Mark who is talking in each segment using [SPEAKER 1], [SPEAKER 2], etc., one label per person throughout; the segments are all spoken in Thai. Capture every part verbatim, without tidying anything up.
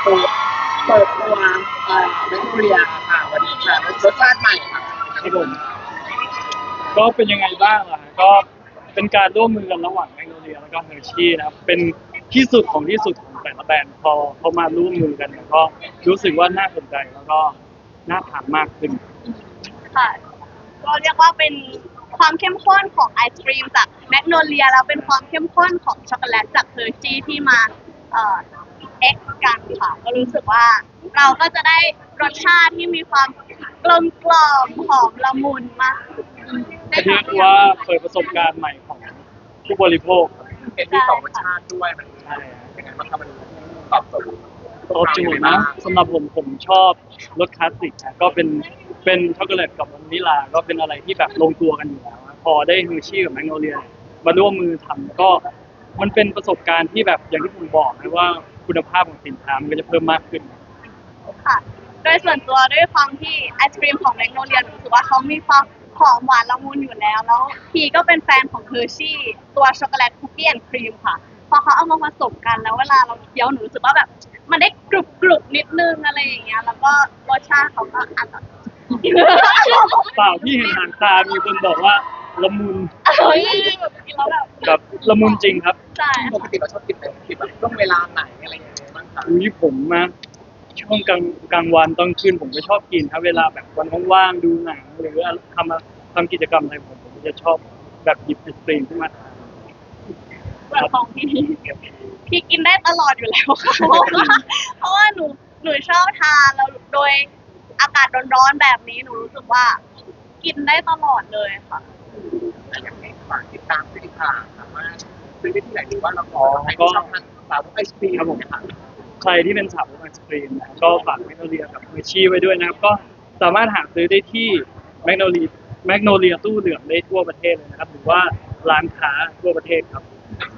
[SPEAKER 1] ตัวเปิดตัวเอ่อแมกโนเลียค่ะวันนี้ค่ะรสชาติใหม่ค่ะ
[SPEAKER 2] ครับผมก็เป็นยังไงบ้างล่ะก็เป็นการร่วมมือกันระหว่างแมกโนเลียแล้วก็เฮอร์ชี่นะครับเป็นที่สุดของที่สุดของแต่ละแบรนด์พอเขามาร่วมมือกันเนี่ยก็รู้สึกว่าน่าสนใจแล้วก็น่าทานมากขึ้น
[SPEAKER 3] ค่ะก็เรียกว่าเป็นความเข้มข้นของไอศครีมจากแมกโนเลียแล้วเป็นความเข้มข้นของช็อกโกแลตจากเฮอร์ชี่ที่มาเอ่อเอ็กซ์กันค่ะก็รู้สึกว่าเราก็จะได้รสชาติที่มีความกลมกล่อมหอมละมุนมาก
[SPEAKER 2] เรียกว่าเปิดประสบการณ์ใหม่ของผู้บริโภค
[SPEAKER 1] เป็นที่สองรสชาติด้วยมัน
[SPEAKER 2] ใช่
[SPEAKER 1] ยังไงบ้างครับมันตอบโจทย์
[SPEAKER 2] ตอบโจทย์นะสำหรับผมผมชอบรสคลาสสิกนะก็เป็นเป็นช็อกโกแลตกับวานิลลาก็เป็นอะไรที่แบบลงตัวกันอยู่แล้วนะพอได้เฮอร์ชี่กับแมกโนเลียมาร่วมมือทำก็มันเป็นประสบการณ์ที่แบบอย่างที่ผมบอกนะว่าคุณภาพของสินค้ามันก็จะเพิ่มมากขึ้น
[SPEAKER 3] ค่ะโดยส่วนตัวด้วยความที่ไอศครีมของแมกโนเลียรู้สึกว่าเขามีความหอมหวานละมุนอยู่แล้วแล้วพีก็เป็นแฟนของเฮอร์ชี่ตัวช็อกโกแลตคุกกี้แอนด์ครีมค่ะพอเขาเอามาผสมกันแล้วเวลาเราเคี้ยวหนูรู้สึกว่าแบบมันได้กรุบกรุบนิดนึงอะไรอย่างเงี้ยแล้วก็รสชาติเขาก็อร่อย
[SPEAKER 2] เปล่าที่เห็นหางตามีคนบอกว่าละมุน
[SPEAKER 3] เฮ้ยแบบกินแล้วแบบ
[SPEAKER 2] แบบละมุนจริงครับ
[SPEAKER 3] ใช่
[SPEAKER 1] ปกติเราชอบกินแบบกินแบบช่วงเวลาไหนอะไรอย่างเงี้ยบ้างครับ
[SPEAKER 2] อุ้ยผมนะช่วงกลางกลางวันตอนคืนผมก็ชอบกินครับเวลาแบบวันว่างๆดูหนังหรือทำทำกิจกรรมอะไรผมผมจะชอบแบบหยิบไอศกรีมขึ้นมาทาน
[SPEAKER 3] แบบของพี่พี่กินได้ตลอดอยู่แล้วค่ะเพราะว่าหนูหนูชอบทานแล้วโดยอากาศร้อนๆแบบนี้หนูรู้สึกว่ากินได้ตลอดเลยค่ะ
[SPEAKER 1] อยากให้ฝากติดตามผลิตภัณฑ์สามารถซื้อได้ที่ไหนหรือว่าเราขอให้ชอบทานสาวกไอศครีม
[SPEAKER 2] ครับผมใครที่เป็นสาวกไอศกรีมนะก็ฝากแมกโนเลียกับเมชี่ไว้ด้วยนะครับก็สามารถหาซื้อได้ที่แมกโนเลียแมกโนเลียตู้เหลืองได้ทั่วประเทศเลยนะครับหรือว่าร้านค้าทั่วประเทศครับ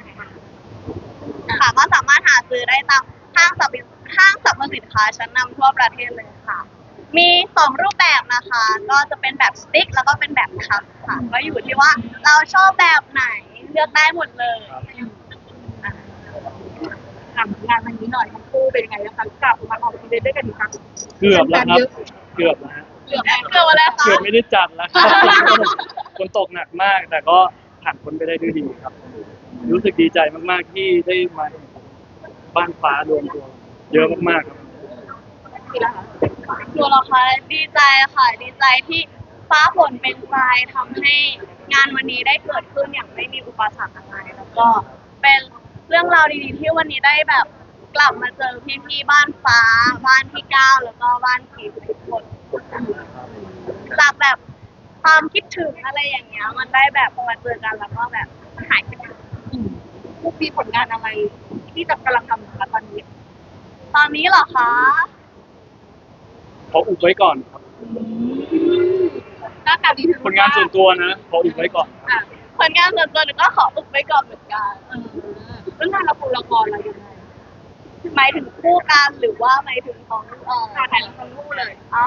[SPEAKER 3] ค่ะก็สามารถหาซื้อได้ตามห้างสรรพห้างสรรพสินค้าชั้นนำทั่วประเทศเลยค่ะมีสองรูปแบบนะคะก็จะเป็นแบบสติ๊กแล้วก็เป็นแบบคัพค่ะก็อยู่ที่ว่าเราชอบแบบไหนเลือกได้หมดเลย
[SPEAKER 4] ถามงานวันนี้หน่อยทั้งคู่เป็นยังไงนะคะกลับมาออกอีเวนต์ด้วยกันอีกครั้ง
[SPEAKER 2] เกือบแล้วครับเกือบแล้ว
[SPEAKER 3] เกือบเกือบอะไรคะ
[SPEAKER 2] เกือบไม่ได้จัดแล้วครับฝนตกหนักมากแต่ก็ผ่านพ้นไปได้ด้วยดีครับรู้สึกดีใจมากๆที่ได้มาบ้านฟ้ารวมตัวเยอะมากๆครับ
[SPEAKER 3] ตัวเราค่ะดีใจค่ะดีใจที่ฟ้าฝนเป็นใจทำให้งานวันนี้ได้เกิดขึ้นอย่างไม่มีอุปสรรคอะไรแล้วก็เป็นเรื่องราวดีๆที่วันนี้ได้แบบกลับมาเจอพี่ๆบ้านฟ้าบ้านพี่ก้าวแล้วก็บ้านพีทุกคนจากแบบความคิดถึงอะไรอย่างเงี้ยมันได้แบบพอมาเจอกันแล้วก็แบบหายคิดถึง
[SPEAKER 4] พวกมีผลงานอะไรที่จะกำลังทำอยู่ตอนนี้
[SPEAKER 3] ตอนนี้เหรอคะ
[SPEAKER 2] ขออุบไว้ก่อนครับ
[SPEAKER 4] หน้าตาดีถึง
[SPEAKER 2] ผลงานส่วนตัวนะขออุบไว้ก่อน
[SPEAKER 3] ผลงานส่วนตัวหนูก็ขออุบไว้ก่อนเหมือนกัน
[SPEAKER 4] เรื่องงานละครละครอะไรยังไง
[SPEAKER 3] หมายถึงคู่กันหรือว่าหมายถึงของเอ่อ
[SPEAKER 4] ถ่ายละครคู่เลย
[SPEAKER 3] อ๋อ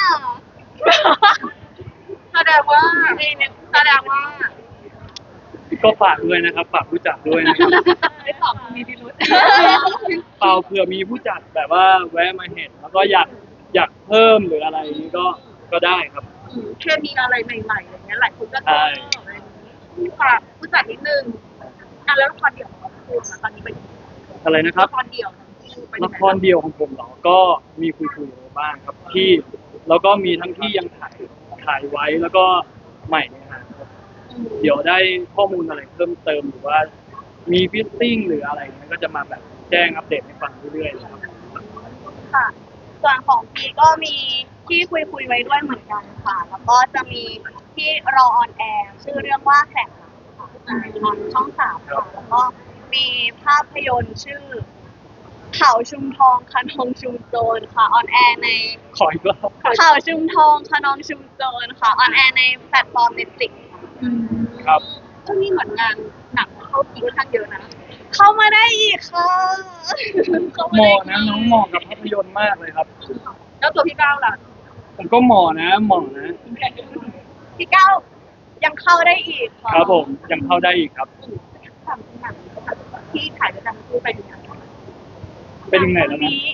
[SPEAKER 4] แสดงว่าแสดงว่า
[SPEAKER 2] ก็ฝากด้วยนะครับฝากผู้จัดด้วยนะครับ
[SPEAKER 4] ไม่ตอบมีพิรุธ
[SPEAKER 2] เปล่าเผื่อมีผู้จัดแบบว่าแวะมาเห็นแล้วก็อยากอยากเพิ่มหรืออะไรนี้ก็ก็ได้ครับ
[SPEAKER 4] แค่มีอะไรใหม่ๆอย่างเงี้ยหลายคนก็ชอบอะไรนี้ฝากผู้จัดนิดนึงอ่ะแล้วละครเดี่ยวของคุณตอนนี้เป็น
[SPEAKER 2] อะไรนะครับ
[SPEAKER 4] ละครเดี่ยว
[SPEAKER 2] ละครเดี่ยวของผมเหรอก็มีคุยๆบ้างครับที่แล้วก็มีทั้งที่ยังถ่ายถ่ายไว้แล้วก็ใหม่เนี่ยครับเดี๋ยวได้ข้อมูลอะไรเพิ่มเติมหรือว่ามีฟิตติ้งหรืออะไรเนี่ยก็จะมาแบบแจ้งอัปเดตให้ฟังเรื่อยๆนะครับ
[SPEAKER 3] ค่ะส่วนของพีก็มีที่คุยคุยไว้ด้วยเหมือนกันค่ะแล้วก็จะมีที่รอออนแอร์ชื่อเรื่องว่าแข่งค่ะทางช่องสามค่ะแล้วก็มีภาพยนตร์ชื่อเขาชุมทองคะนองชุมโจรค่ะออนแอร์ใน
[SPEAKER 2] ขออีกรอบ
[SPEAKER 3] เขาชุมทองคะนองชุมโจรค่ะออนแอร์ในแพลตฟอร์ม Netflix
[SPEAKER 2] ครับ
[SPEAKER 4] ช่วงนี้เหมือนงานหนักเข้าอีกค่อนข้างเยอะนะ
[SPEAKER 3] เข้ามาได้อีกค่ะ
[SPEAKER 2] เหมาะนะน้องเหมาะกับภาพยนตร์มากเลยครับ
[SPEAKER 4] แล้วตัวพี่ก้าวล่ะ
[SPEAKER 2] ผมก็เหมาะนะเหมาะนะ
[SPEAKER 3] พี่ก้าวยังเข้าได้อีก
[SPEAKER 2] ครับผมยังเข้าได้อีกครับ
[SPEAKER 4] ทำหนังที่ถ่ายด้วยกันคู่ไปดูหนัง
[SPEAKER 2] เป็นยังไงแล้วนะ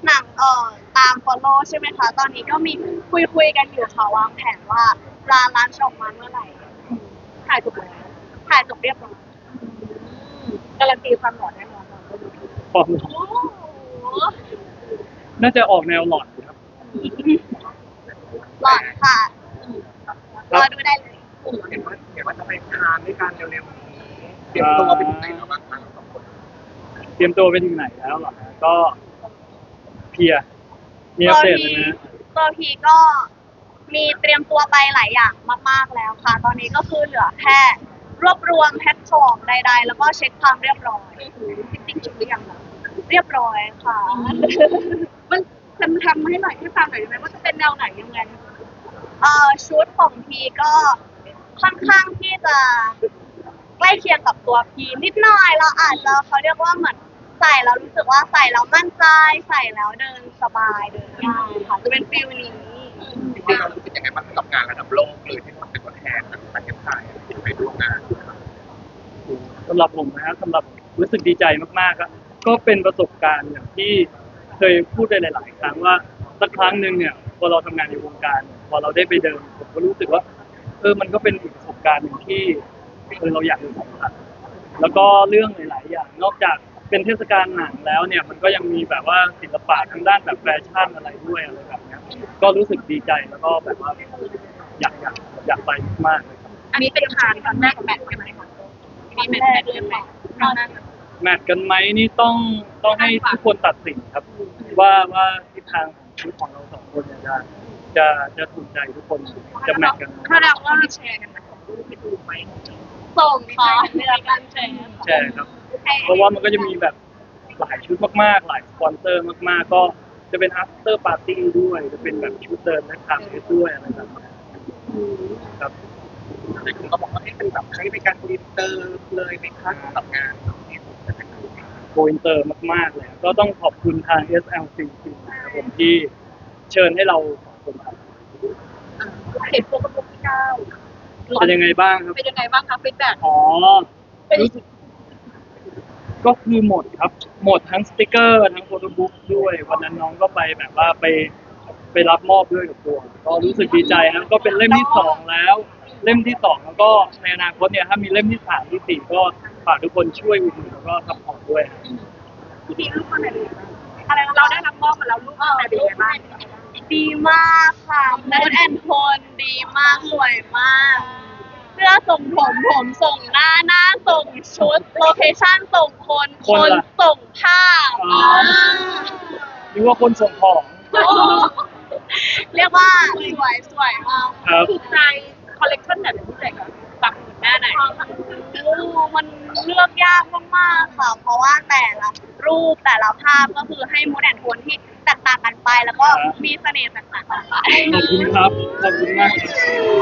[SPEAKER 3] หนังเอ่อตาม follow ใช่ไหมคะ ตอนนี้ก็มีคุยคุยๆกันอยู่ค่ะวางแผนว่าจะรันออกมาเมื่อไหร่
[SPEAKER 4] ถ่ายจบแล้ว
[SPEAKER 3] ถ่ายจบเรียบร้อย
[SPEAKER 4] การันตีความหล่อแน่นอน
[SPEAKER 2] ความหล่อ
[SPEAKER 3] โอ้โห
[SPEAKER 2] น่าจะออกแนวหลอดครับ
[SPEAKER 3] หลอดค่ะรอดูได้เลย
[SPEAKER 1] เห็นว่าเห็นว่าจะไปทานด้วยกันเร็วๆนี้เตรียมตัวไปถึงไหนแล้วบ้างคะสองคน
[SPEAKER 2] เตรียมตัวไปถึงไหนแล้วเหรอฮะก็เพลียมีอัปเดตเลยนะ
[SPEAKER 3] ตัวพีก็มีเตรียมตัวไปหลายอย่างมากๆแล้วค่ะ ตอนนี้ก็คือเหลือแค่รวบรวมแพ็คของใดๆ แล้วก็เช็คความเรียบร้อย
[SPEAKER 4] จริงๆชุดหรือยังล่ะ
[SPEAKER 3] เรียบร้อยค่ะ
[SPEAKER 4] มันทำทำให้หน่อยให้ฟังหน่อยได้ไหมว่าจะเป็นแนวไหนยังไง
[SPEAKER 3] เอ่อชุดของพีก็ค่อนข้างที่จะใกล้เคียงกับตัวพีนิดหน่อยเราอาจจะเขาเรียกว่าเหมือนใส่แล้วรู้สึกว่าใส่แล้วมั่นใจใส่แล้วเดินสบายเดินง่ายค่ะจะเป็นฟิลนี้
[SPEAKER 1] จริงๆเรารู้สึกยังไงบ้างกับงานระดับโลกเลยที่มันเป็นตัวแทนจากประเทศไทยไปร่วมงาน
[SPEAKER 2] สำหรับผมนะครับสำหรับรู้สึกดีใจมากๆครับก็เป็นประสบการณ์อย่างที่เคยพูดไปหลาย ๆ ครั้งว่าสักครั้งหนึ่งเนี่ยพอเราทำงานในวงการพอเราได้ไปเดินผมก็รู้สึกว่าเออมันก็เป็นอีกประสบการณ์หนึ่งที่เออเราอยากจะสัมผัสแล้วก็เรื่องหลาย ๆ อย่าง นอกจากเป็นเทศกาลหนังแล้วเนี่ยมันก็ยังมีแบบว่าศิลปะทางด้านแบบแฟชั่นอะไรด้วยอะไรแบบเนี้ยก็รู้สึกดีใจแล้วก็แบบว่าอยากอยากอยากไปมากๆเลยครับ
[SPEAKER 4] อันนี้เป็นคานครั้งแรกของแมทใช่ไหมคะมีแมทแรกเลยไหมตอนนั้น
[SPEAKER 2] แมทกันไหมนี่ต้องต้องให้ทุกคนตัดสินครับ ว่าว่าทิศทางของชีวิตของเราสองคนเนี่ยจะจะจะถูกใจทุกคนจะแมทกันไหม
[SPEAKER 4] ถ้าเราว่าแชร์กันนะของรูปไปดูไหม
[SPEAKER 3] ส่งค่ะเรื่องการแชร์
[SPEAKER 2] ใช่ครับ เพราะว่ามันก็จะมีแบบหลายชุดมากๆ หลายสปอนเซอร์มากๆ ก็จะเป็น after party ด้วยจะเป็นแบบชุดเดินและทางด้วยอะไรแบบนี้ครับ
[SPEAKER 1] แต่คุณก็บอกว่าให้เป็นแบบให้เป็นการอินเตอร์เลยในครั้งกับงานนี้
[SPEAKER 2] โกอินเตอร์มากๆเลยก็ต้องขอบคุณทาง เอส แอล ซี ที นะครับผมที่เชิญให้เราสองคนครับ
[SPEAKER 4] เห็นโปรโมทที่เก้า
[SPEAKER 2] เป็นยังไงบ้างครับ
[SPEAKER 4] เป็นยังไงบ้างคะฟีดแบ็ก
[SPEAKER 2] อ๋อรู้สึกก็คือหมดครับ หมดทั้งสติกเกอร์ทั้งโฟโต้บุ๊กด้วย วันนั้นน้องก็ไปแบบว่าไปไปรับมอบด้วยกับตัวก็รู้สึกดีใจนะก็เป็นเล่มที่สองแล้ว เล่มที่สองแล้วก็ในอนาคตเนี่ยถ้ามีเล่มที่สามที่สี่ก็ฝากทุกคนช่วยอุดหนุนแล้วก็ซัพพอร์ตด้วยครับ
[SPEAKER 4] พี่ดีลูกคนไหนดีอะไรเราได้รับมอบมาแล้วลูกคนไหนดีบ้าง
[SPEAKER 3] ดีมากค่ะมูดแอนโทนดีมากสวยมากเสื้อส่งผมผมส่งหน้าหน้าส่งชุดโลเคชั่นส่งคนคนส่งภาพ
[SPEAKER 2] นึกว่าคนส่งของ
[SPEAKER 3] เรียกว่าสวยสวยมาก
[SPEAKER 2] ครับ
[SPEAKER 4] ถูกใจคอลเลคชันไหนเป็นพิเศษคะปักหมุดหน้าไหน
[SPEAKER 3] โอ้มันเลือกยากมากๆค่ะ เพราะว่าแต่ละรูปแต่ละภาพก็คือให้มูดแอนโทนที่แตกต่างกันไป แล้วก็มีเสน่ห์แตกต่างกันไป
[SPEAKER 2] ขอบคุณครับ ขอบคุณมากครับ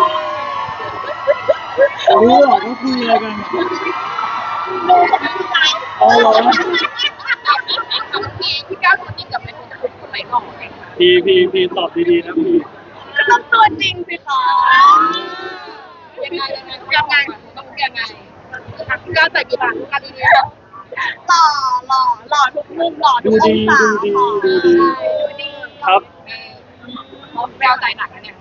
[SPEAKER 2] รู้เหรอว่าคุยอะไรกันอ๋อเหรอ
[SPEAKER 4] พี่พี่ก้าวตัวจริงกับเป็นคนคนไหนก่อน
[SPEAKER 2] พีพีพีตอบดีๆนะพี
[SPEAKER 3] ก็ต้องตัวจริงสิคะ
[SPEAKER 4] ยังไงยังไงยังไงต้องยังไงพี่ก้าวใส่กี่บาททุกการดีนี้
[SPEAKER 3] หล่อหล่อหล่อทุกมุมหล่อทุ
[SPEAKER 2] ดู
[SPEAKER 3] กอ
[SPEAKER 2] ดี
[SPEAKER 3] งศา
[SPEAKER 2] ดูดี
[SPEAKER 3] ค่ะ
[SPEAKER 2] ดูดี
[SPEAKER 3] ดูดี
[SPEAKER 2] ครับ
[SPEAKER 4] แววใจหนักนะเนี่ย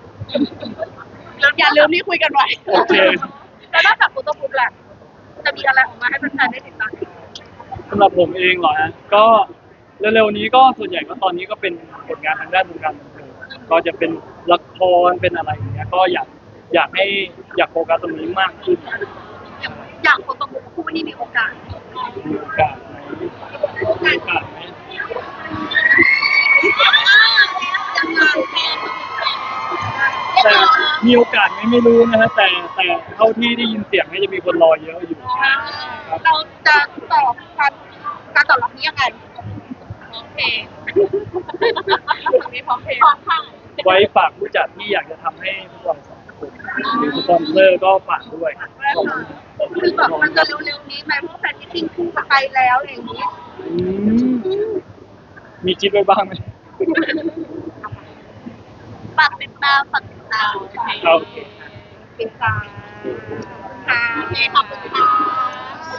[SPEAKER 3] อย่าลืมที่คุยกันไว้
[SPEAKER 2] โอเค
[SPEAKER 4] แล้วนอกจากโฟโต้บุ๊กแหละจะมีอะไรออกมาให้แฟนๆได้ติดตาม
[SPEAKER 2] สำหรับผมเองเหรอฮะก็เร็วๆนี้ก็ส่วนใหญ่ก็ตอนนี้ก็เป็นผลงานทางด้านวงการบันเทิงก็จะเป็นละครเป็นอะไรอย่างเงี้ยก็อยากอยากให้อยากโฟกัสตรงนี้มากขึ้น
[SPEAKER 4] อย่างโฟโต้บุ๊กคู่นี่มีโอกาส
[SPEAKER 2] มีโอกาสไหมมีโอกาสไหม
[SPEAKER 4] ยังไง
[SPEAKER 2] แต่มีโอกาสไหมไม่รู้นะฮะแต่แต่เท่าที่ได้ยินเสียงเนี่ยจะมีคนรอเยอะอยู่
[SPEAKER 4] เราจะตอบการการตอบรับนี้ยังไงโอเคมีพร้อมเพย์พร้อมค่ะ
[SPEAKER 2] ไว้ฝากผู้จัดที่อยากจะทำให้พวกเราสองคนหรือสปอนเซอร์ก็ฝากด้วยครับ
[SPEAKER 4] คือแบบมันจะเร็วๆนี้ไหมเพราะแฟนมิทติ้งคู่กับไปแล้วอะไรอย่างนี้
[SPEAKER 2] อืมมีคิดไว้บ้างไหม
[SPEAKER 3] ฝากติดตามฝากติดตาม
[SPEAKER 2] ครับ
[SPEAKER 4] เป็นการค่ะขอบคุณค่ะ